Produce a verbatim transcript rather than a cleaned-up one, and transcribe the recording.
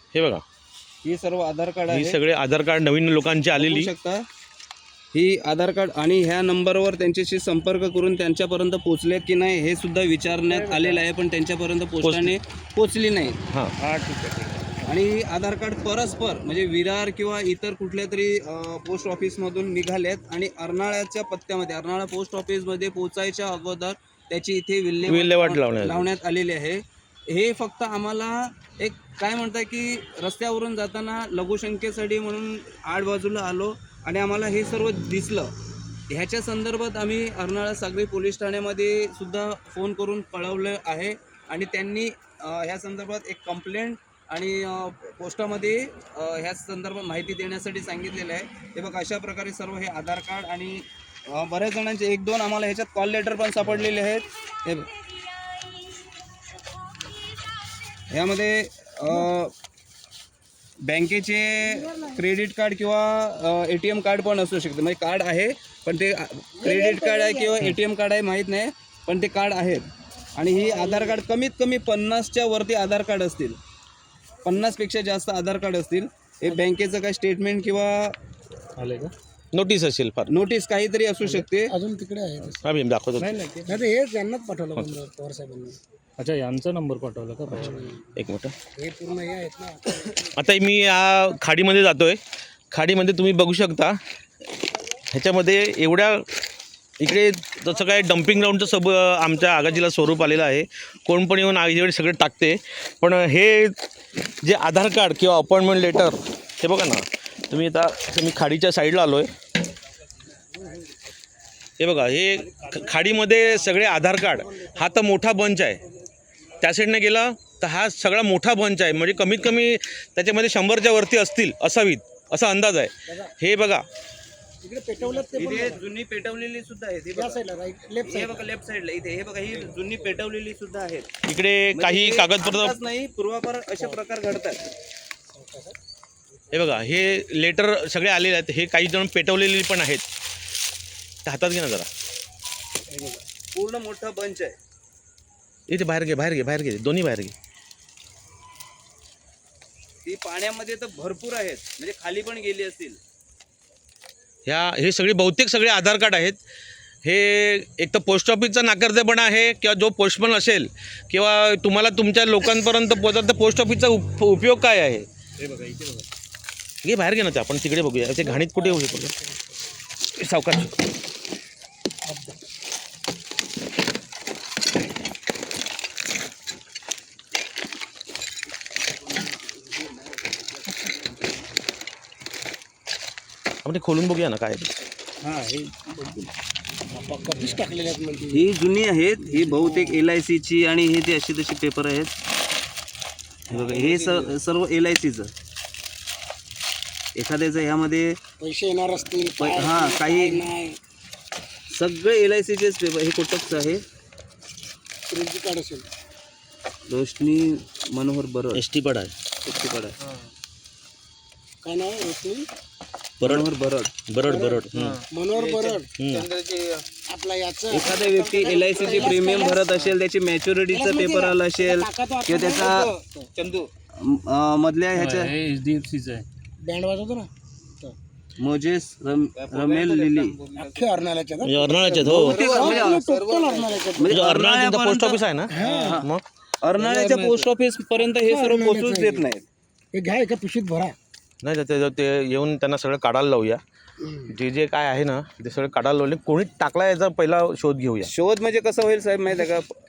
हे बघा, ही सर्व आधार कार्ड आहे. ही सगळे आधार कार्ड नवीन लोकांची आलेली शकता. ही आधार कार्ड आणि ह्या नंबरवर त्यांच्याशी संपर्क करून त्यांच्यापर्यंत पोहोचलेत की नाही हे सुद्धा विचारण्यात आलेलं आहे, पण त्यांच्यापर्यंत पोस्टाने पोचली नाही. हां हां ठीक आहे ठीक आहे. आणि ही आधार कार्ड परस्पर म्हणजे विरार किंवा इतर कुठल्या तरी पोस्ट ऑफिसमधून निघालेत आणि अर्नाळ्याच्या पत्त्यामध्ये अर्नाळा पोस्ट ऑफिसमध्ये पोहोचायच्या अगोदर त्याची इथे विल्हेवाट विल्हेवाट लावण्यात लावण्यात आलेली आहे. हे फक्त आम्हाला एक काय म्हणतात की रस्त्यावरून जाताना लघुशंकेसाठी म्हणून आड बाजूला आलो आणि आम्हाला हे सर्व दिसलं. ह्याच्या संदर्भात आम्ही अर्नाळा सागरी पोलीस ठाण्यामध्ये सुद्धा फोन करून कळवलं आहे आणि त्यांनी ह्या संदर्भात एक कंप्लेंट आणि पोस्टामध्ये ह्या संदर्भात माहिती देण्यासाठी सांगितलेलं आहे. हे बघा अशा प्रकारे सर्व हे आधार कार्ड आणि बऱ्याच जणांचे एक दोन आम्हाला ह्याच्यात कॉल लेटर पण सापडलेले आहेत. हे ह्यामध्ये बँकेचे क्रेडिट कार्ड किंवा ए टी एम कार्ड पण असू शकते. म्हणजे कार्ड आहे पण ते क्रेडिट कार्ड आहे किंवा ए टी एम कार्ड आहे माहीत नाही, पण ते कार्ड आहेत. आणि ही आधार कार्ड कमीत कमी पन्नासच्या वरती आधार कार्ड असतील, पन्नासपेक्षा जास्त आधार कार्ड असतील. हे बँकेचं काय स्टेटमेंट किंवा आले का नोटीस असेल, फार नोटीस काहीतरी असू शकते. अजून तिकडे आहे. आम्ही दाखवतो. नाही हे यांनाच पाठवलं पवार साहेबांनी. अच्छा, यांचा नंबर पाठवला का? एक मिनिट. हे पूर्ण हे आहेत ना. आता मी या खाडीमध्ये जातोय. खाडीमध्ये तुम्ही बघू शकता ह्याच्यामध्ये एवढ्या इकडे तसं काय डम्पिंग ग्राउंडचं सब आमच्या आगाजीला स्वरूप आलेलं आहे. कोण पण येऊन आगीकडे सगळे टाकते. पण हे जे आधार कार्ड किंवा अपॉइंटमेंट लेटर हे बघा ना तुम्ही. आता मी खाडीच्या साईडला आलो आहे. हे बघा हे खाडीमध्ये सगळे आधार कार्ड. हा तर मोठा बंच आहे. त्या साईडने गेला तर हा सगळा मोठा बंच आहे. म्हणजे कमीत कमी त्याच्यामध्ये शंभरच्या वरती असतील असावीत असा अंदाज आहे. हे बघा इकडे पेटवलं ते इथे जुनी पेटवलेली सुद्धा आहेत. हे बघा साईडला राईट लेफ्ट हे बघा लेफ्ट साईडला इथे हे बघा ही जुनी पेटवलेली सुद्धा आहेत. इकडे काही कागदपत्र नाही पूर्वापार अशा प्रकार घडतात. हे बघा हे लेटर सगळे आलेले आहेत. हे काही जण पेटवलेली पण आहेत. ते हातात घे ना जरा. पूर्ण मोठा बंच आहे. इथे बाहेर घे बाहेर घे बाहेर घे दोन्ही बाहेर घे. ती पाण्यामध्ये तर भरपूर आहेत, म्हणजे खाली पण गेली असतील. ह्या हे सगळे बहुतेक सगळे आधार कार्ड आहेत. हे एक तर पोस्ट ऑफिसचा नाकर्तेपणा आहे किंवा जो पोस्टमन असेल किंवा तुम्हाला तुमच्या लोकांपर्यंत पोहोचत तर पोस्ट ऑफिसचा उप उपयोग काय आहे. हे बघा इथे बघा. घे बाहेर घे ना ते आपण तिकडे बघूया. ते घाणीत कुठे होऊ शकतो सावकाश. आपण ते खोलून बघूया ना काय. हां हे कधीच टाकलेले आहेत म्हणजे. ही जुनी आहेत. ही बहुतेक एल आय सीची आणि हे ते अशी तशी पेपर आहेत. हे बघा हे स सर्व एल आय सीचं. एखाद्याचं ह्यामध्ये पैसे येणार असतील प- हां काही नाही सगळे एल आय सीचेच पेपर. हे कोटकचं आहे. क्रेडिट कार्ड असेल. रोशनी मनोहर बरड एस टी पड आहे. एस टी कार्ड आहे. काय नाव आहे रोशनी मनोहर बरड बरड बरड. मनोहर बरड. आपला याचं एखादा व्यक्ती एल आय सीचे प्रीमियम भरत असेल, त्याची मॅच्युरिटीचा पेपर आला असेल किंवा त्याचा चंदू अं, मधल्या ह्याच्या एच डी एफ सीचं आहे. बँड वाजवतो ना मोजेस रम, रमेल लिली अख्खे अर्नाळ्याच्या ना. म्हणजे अर्नाळ्याचे हो. टोटल अर्नाळ्याच्या. म्हणजे अर्नाळा पोस्ट ऑफिस आहे ना. मग अर्नाळ्याच्या पोस्ट ऑफिस पर्यंत हे सर्व पोहोचूच देत नाहीत. हे घ्या एका पिशवीत भरा. नाही ते ते येऊन त्यांना सगळं काढायला लावूया. जे जे काय आहे ना ते सगळं काढायला लावले. कोणी टाकला याचा पहिला शोध घेऊया. शोध म्हणजे कसं होईल साहेब माहिती आहे का.